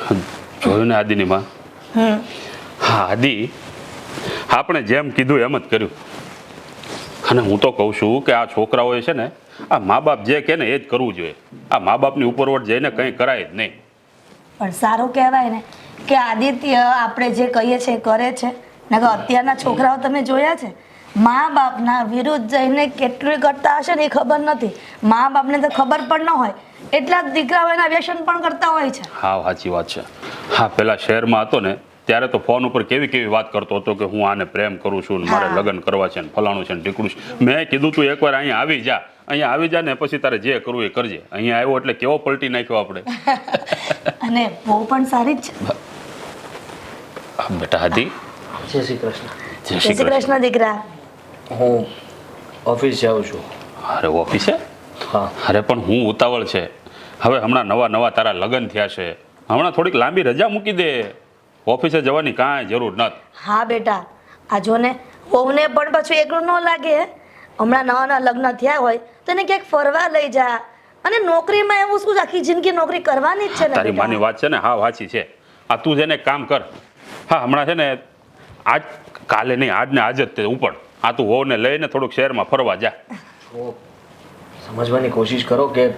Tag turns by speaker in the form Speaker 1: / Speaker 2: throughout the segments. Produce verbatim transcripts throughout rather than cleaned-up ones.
Speaker 1: જોયું ને આદિની માં?
Speaker 2: હમ
Speaker 1: હા આદિ, આપણે જેમ કીધું એમ જ કર્યું. અને હું તો કહું છું કે આ છોકરાઓએ છે ને આ મા બાપ જે કહે ને એ જ કરવું જોઈએ. આ મા બાપની ઉપરવટ જઈને કંઈ કરાય જ નહીં.
Speaker 2: પણ સારું કહેવાય ને કે આદિત્ય આપણે જે કહીએ છીએ એ કરે છે ને. કે અત્યારના છોકરાઓ તમે જોયા છે, મા બાપના વિરુદ્ધ જઈને કેટલું કરતા હશે ને એ ખબર નથી. મા બાપને તો ખબર પણ ન હોય એટલા જ દીકરાઓ એના વ્યસન પણ કરતા હોય છે.
Speaker 1: હા સાચી વાત છે. હા પેલા શહેરમાં હતો ને ત્યારે તો ફોન ઉપર કેવી કેવી વાત કરતો હતો કે હું આને પ્રેમ કરું છું ને મારે
Speaker 2: હા.
Speaker 1: લગ્ન કરવા છે ને ફલાણું છે ને ઢીકડું છે. મેં કીધું તું એકવાર અહીંયા આવી જા, અહીંયા આવી જા ને પછી તારે જે કરવું એ કરજે. અહીંયા આવ્યો એટલે કેવો પલટી નાખ્યો આપણે.
Speaker 2: અને બહુ પણ સારી જ છે.
Speaker 1: હા, બેટા હાથી,
Speaker 3: જય શ્રી કૃષ્ણ.
Speaker 1: જય
Speaker 2: જય
Speaker 1: શ્રી
Speaker 2: શ્રી
Speaker 1: કૃષ્ણ.
Speaker 2: કૃષ્ણ દીકરા.
Speaker 3: હું ઓફિસ જાઉં છું.
Speaker 1: અરે ઓફિસે?
Speaker 3: હા.
Speaker 1: અરે પણ હું ઉતાવળ છે. હવે હમણાં નવા નવા તારા લગ્ન થયા છે, હમણાં થોડીક લાંબી રજા મૂકી દે. ઓફિસે જવાની કાંઈ જરૂર નથી.
Speaker 2: હા બેટા, આ જો ને વહુને પણ પાછું એકલું ન લાગે. હમણાં નવા નવા લગ્ન થયા હોય તો એને ક્યાંક ફરવા લઈ જા. અને નોકરીમાં એવું શું, આખી જિંદગી નોકરી કરવાની જ છે ને
Speaker 1: તારી
Speaker 2: બેટા.
Speaker 1: માની વાત છે ને, હા વાંચી છે. આ તું જેને કામ કર. હા હમણાં છે ને આજ કાલે નહીં, આજ ને આજ જ તે ઉપર આ તું વહુને લઈને થોડુંક શહેરમાં ફરવા જા.
Speaker 3: તો સમજવાની કોશિશ કરો કે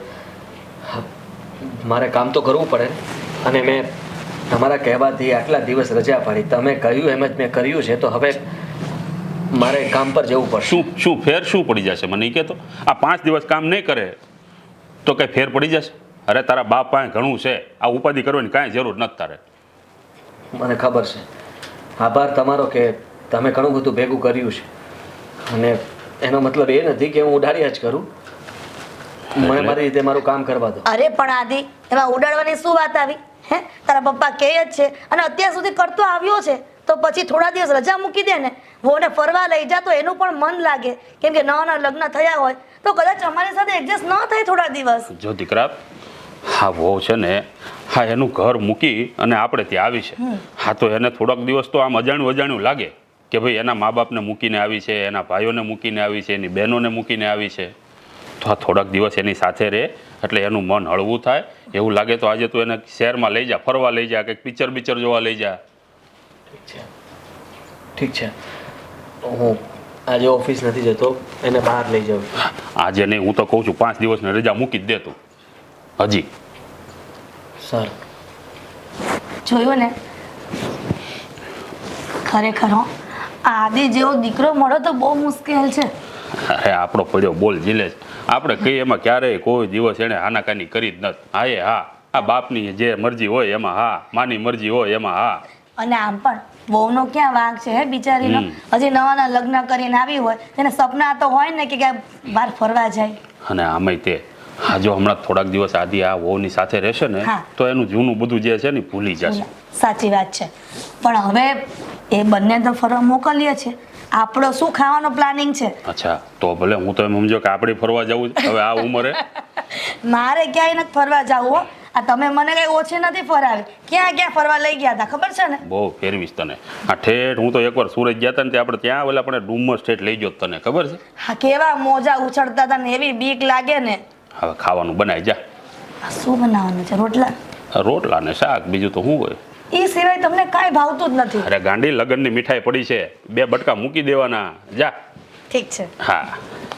Speaker 3: મારે કામ તો કરવું પડે. અને મેં તમારા કહેવાથી આટલા દિવસ રજા પાડી, તમે કહ્યું એમ જ મેં કર્યું છે, તો હવે મારે કામ પર જવું પડશે.
Speaker 1: શું શું ફેર શું પડી જશે મને એ કહેતો? આ પાંચ દિવસ કામ નહીં કરે તો કઈ ફેર પડી જશે? અરે તારા બાપ પાસે ઘણું છે, આ ઉપાધિ કરવાની કાંઈ જરૂર નથી તારે.
Speaker 3: મને ખબર છે. આભાર તમારો કે તમે ઘણું બધું ભેગું કર્યું છે. અને એનો મતલબ એ નથી કે હું ઉડાડ્યા જ કરું. મને મારી રીતે મારું કામ કરવા દો.
Speaker 2: અરે પણ આદિ, એમાં ઉડાડવાની શું વાત આવી? હે, તારા પપ્પા કહે જ છે અને અત્યાર સુધી કરતો આવ્યો છે, તો પછી થોડા દિવસ રજા મૂકી દે ને, વહુને ફરવા લઈ જા તો એનું પણ મન લાગે. કેમ કે નવા નવા લગ્ન થયા હોય તો કદાચ અમારી સાથે એડજસ્ટ ન થાય થોડા દિવસ.
Speaker 1: જો દીકરા, હા વહુ છે ને, હા એનું ઘર મૂકી અને આપણે ત્યાં આવી છે. હા તો એને થોડાક દિવસ તો આમ અજાણ્યું અજાણ્યું લાગે કે ભાઈ એના મા બાપને મૂકીને આવી છે, એના ભાઈઓને મૂકીને આવી છે, એની બહેનોને મૂકીને આવી છે. તો આ થોડાક દિવસ એની સાથે રહે એટલે એનું મન હળવું થાય. એવું લાગે તો આજે તું એને શહેરમાં લઈ જા, ફરવા લઈ જા, કંઈક પિક્ચર પિક્ચર જોવા લઈ જા.
Speaker 3: ઠીક છે, ઠીક છે. હું આજે ઓફિસ નથી જતો, એને બહાર લઈ જાઉં છું.
Speaker 1: આજે નહીં, હું તો કહું છું પાંચ દિવસની રજા મૂકી જ દે તું હજી.
Speaker 3: સારું.
Speaker 2: જોયું ને, ખરેખર હો, આ આદિ જેવો દીકરો મળો તો બહુ મુશ્કેલ છે.
Speaker 1: અરે આપણો પડ્યો બોલ જીલે છે. આપણે કહીએ એમાં ક્યારેય કોઈ દિવસ એણે હાનાકાની કરી જ નથી. હા એ હા, આ બાપની જે મરજી હોય એમાં હા, માની મરજી હોય એમાં હા.
Speaker 2: અને આમ પણ વહુનો ક્યાં વાંક છે હે બિચારીનો? હજી નવા નવા લગ્ન કરીને આવી હોય તેને સપના તો હોય ને કે ક્યાંક બહાર ફરવા જાય.
Speaker 1: અને આમાંય તે હા જો હમણાં થોડાક દિવસ આદિ આ વહુની સાથે રહેશે ને
Speaker 2: હા.
Speaker 1: તો એનું જૂનું બધું જે છે ને એ ભૂલી જશે.
Speaker 2: સાચી વાત છે. પણ હવે એ બંને તો ફરવા મોકલીએ છે, આપણો શું ખાવાનો પ્લાનિંગ છે?
Speaker 1: અચ્છા તો ભલે, હું તો એમ સમજો કે આપણે ફરવા જવું છે હવે આ ઉંમરે.
Speaker 2: મારે ક્યાંય નથી ફરવા જવું હો. આ તમે મને કઈ ઓછી નથી ફરાવી. ક્યાં ક્યાં ફરવા લઈ ગયા હતા ખબર છે ને?
Speaker 1: બહુ ફેરવીશ તને. આ ઠેઠ હું તો એકવાર સુરત ગયા હતા ને તે આપણે ત્યાં ઓલા આપણે ડુમસ ઠેઠ લઈ ગયો તને ખબર છે?
Speaker 2: હા, કેવા મોજા ઉછળતા હતા ને એવી બીક લાગે ને.
Speaker 1: હવે ખાવાનું બનાવી જા.
Speaker 2: આ શું બનાવવાનું છે? રોટલા?
Speaker 1: રોટલા ને શાક, બીજું તો શું હોય?
Speaker 2: એ સિવાય તમને કાંઈ ભાવતું જ નથી.
Speaker 1: અરે ગાંડી, લગનની મીઠાઈ પડી છે, બે બટકા મૂકી દેવાના. જા.
Speaker 2: ઠીક છે.
Speaker 1: હા.